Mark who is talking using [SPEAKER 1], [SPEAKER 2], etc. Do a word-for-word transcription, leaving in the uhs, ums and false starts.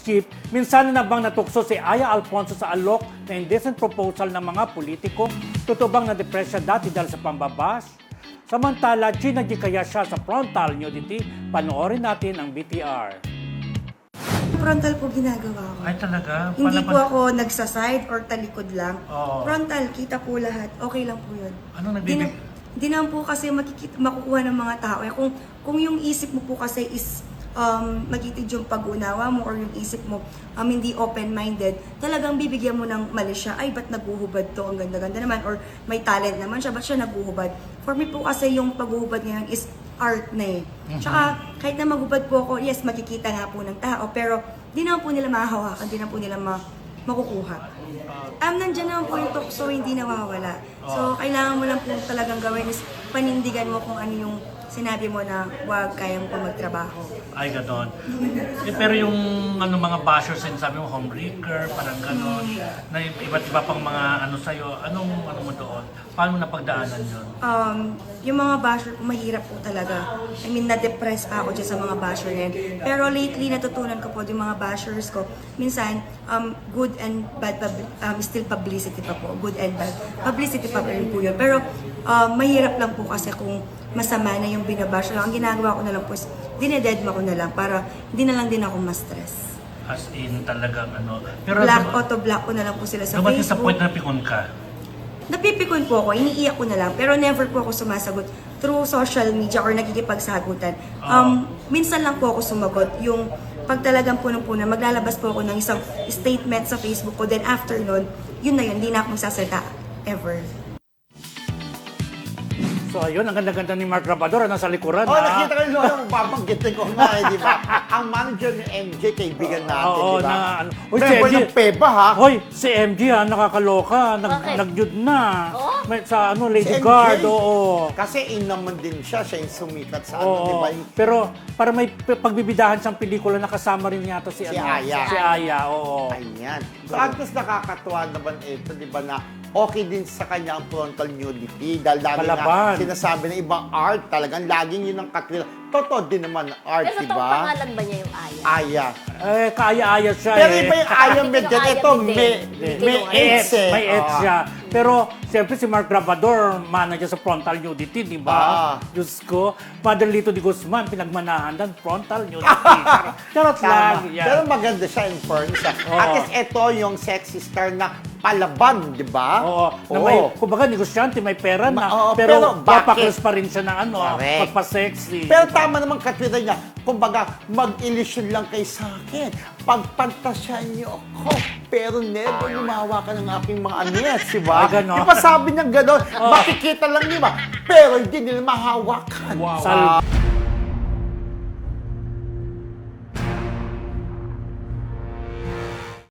[SPEAKER 1] chief, minsan na bang natukso si Aya Alfonso sa alok na indecent proposal ng mga politiko? Totoo bang na-depress siya dati dahil sa pambabash? Samantala, Gina G kaya siya sa frontal nudity? Panoorin natin ang B T R.
[SPEAKER 2] Frontal po ginagawa ko.
[SPEAKER 1] Ay talaga?
[SPEAKER 2] Hindi
[SPEAKER 1] Pala-
[SPEAKER 2] po ako nagsaside or talikod lang.
[SPEAKER 1] Oo.
[SPEAKER 2] Frontal, kita po lahat. Okay lang po yun.
[SPEAKER 1] Ano
[SPEAKER 2] Di
[SPEAKER 1] nagbibig?
[SPEAKER 2] na- Di naman po kasi makikita, makukuha ng mga tao. Eh, kung, kung yung isip mo po kasi is um, magitid yung pag-unawa mo or yung isip mo um, hindi open-minded, talagang bibigyan mo ng mali siya. Ay, ba't naguhubad to? Ang ganda-ganda naman. Or may talent naman siya. Ba't siya naguhubad? For me po kasi yung paghuhubad ngayon is art na eh. Tsaka kahit na maghubad po ako, yes, makikita nga po ng tao. Pero di naman po nila mahahawakan. Di naman po nila ma makukuha. Um, nandyan naman po yung tukso, hindi nawawala. So, kailangan mo lang po talagang gawin is panindigan mo kung ano yung sinabi mo na wag kayang po magtrabaho.
[SPEAKER 1] Ay, ganon. Eh, pero yung ano, mga bashers, sabi mo, homebreaker, parang ganon, na iba't iba pang mga ano sa'yo, anong ano mo doon? Paano mo napagdaanan yun?
[SPEAKER 2] Um, yung mga basher po, mahirap po talaga. I mean, na-depress pa ako dyan sa mga basher na yan. Pero lately, natutunan ko po yung mga bashers ko. Minsan, um, good and bad, pub- um, still publicity pa po. Good and bad. Publicity pa rin po yun. Pero um, mahirap lang po kasi kung masama na yung binabash. Ang ginagawa ko na lang po is, dinededma ko na lang para hindi na lang din ako ma-stress.
[SPEAKER 1] As in talagang ano. Pero
[SPEAKER 2] Black, auto-block ko na lang po sila sa
[SPEAKER 1] dumating sa
[SPEAKER 2] Facebook.
[SPEAKER 1] point na pikon ka.
[SPEAKER 2] Napipikon po ako, iniiyak ko na lang, pero never po ako sumasagot through social media or nagkikipagsagutan. Um, minsan lang po ako sumagot, yung pag talagang punong-puno, maglalabas po ako ng isang statement sa Facebook ko, then after nun, yun na yun, hindi na ako magsasalita ever.
[SPEAKER 1] So ayun, ang ganda-ganda ni Mark Rabador, nasa likuran.
[SPEAKER 3] Oh,
[SPEAKER 1] ha?
[SPEAKER 3] nakita ko yung babanggitin ko nga, eh, di ba? Ang manager ni M J, kaibigan natin,
[SPEAKER 1] Oo,
[SPEAKER 3] di ba?
[SPEAKER 1] na ano. Uy, si
[SPEAKER 3] Member
[SPEAKER 1] M J.
[SPEAKER 3] ng Peba, ha?
[SPEAKER 1] Hoy, si M J ha, nakakaloka. Nag,
[SPEAKER 4] Bakit?
[SPEAKER 1] Nag-nude na.
[SPEAKER 4] Oh?
[SPEAKER 1] May, sa ano, Lady
[SPEAKER 3] Si M J.
[SPEAKER 1] Guard, oo.
[SPEAKER 3] Kasi in naman din siya, siya yung sumikat sa ano,
[SPEAKER 1] Oo,
[SPEAKER 3] di ba? Yung
[SPEAKER 1] pero para may p- pagbibidahan siyang pelikula, nakasama rin yata si,
[SPEAKER 3] Si
[SPEAKER 1] ano,
[SPEAKER 3] Aya.
[SPEAKER 1] Si Aya, oo.
[SPEAKER 3] Ayan. So, at least nakakatuwa naman ito, di ba, na okay din sa kanya ang frontal nudity. Dahil lagi
[SPEAKER 1] Palaban.
[SPEAKER 3] na sinasabi ng ibang art, talagang laging yun ang katwila. Totoo din naman ang art,
[SPEAKER 4] Pero
[SPEAKER 3] di
[SPEAKER 4] totoong
[SPEAKER 3] ba?
[SPEAKER 4] pangalan ba niya yung Aya?
[SPEAKER 3] Aya.
[SPEAKER 1] Eh, kaya-aya siya
[SPEAKER 3] Pero
[SPEAKER 1] eh.
[SPEAKER 3] iba yung Aya
[SPEAKER 4] Hindi
[SPEAKER 3] Medel.
[SPEAKER 4] ko Aya
[SPEAKER 3] Ito,
[SPEAKER 4] Medel.
[SPEAKER 3] may,
[SPEAKER 4] Hindi
[SPEAKER 3] may
[SPEAKER 4] ko Aya.
[SPEAKER 3] AIDS eh.
[SPEAKER 1] May AIDS
[SPEAKER 3] Oo.
[SPEAKER 1] siya. Pero, siyempre si Mark Rabador, manager sa frontal nudity, di ba?
[SPEAKER 3] Ah.
[SPEAKER 1] Diyos ko. Father Lito de Guzman, pinagmanahan ng frontal nudity. Charot lang.
[SPEAKER 3] Tama.
[SPEAKER 1] Yan.
[SPEAKER 3] Pero maganda siya in fairness. ah.
[SPEAKER 1] Oo.
[SPEAKER 3] At least ito yung sexy star na palaban, di ba?
[SPEAKER 1] Oo. Na
[SPEAKER 3] Oo.
[SPEAKER 1] may, kumbaga, negosyante, may pera na.
[SPEAKER 3] Ma- oo,
[SPEAKER 1] pero,
[SPEAKER 3] pero bakit?
[SPEAKER 1] papaklos pa rin siya ng ano,
[SPEAKER 3] Correct.
[SPEAKER 1] pagpa-sexy.
[SPEAKER 3] Pero tama naman katwira niya. Kumbaga, mag-illusion lang kay sa akin. Pagpantasyan niyo ako. Pero never lumawa ka ng aking mga anyes, di ba?
[SPEAKER 1] Ay, ganon.
[SPEAKER 3] Di ba sabi niya gano'n? Makikita lang niya ba? Pero hindi nila mahawakan.
[SPEAKER 1] Wow. Sal-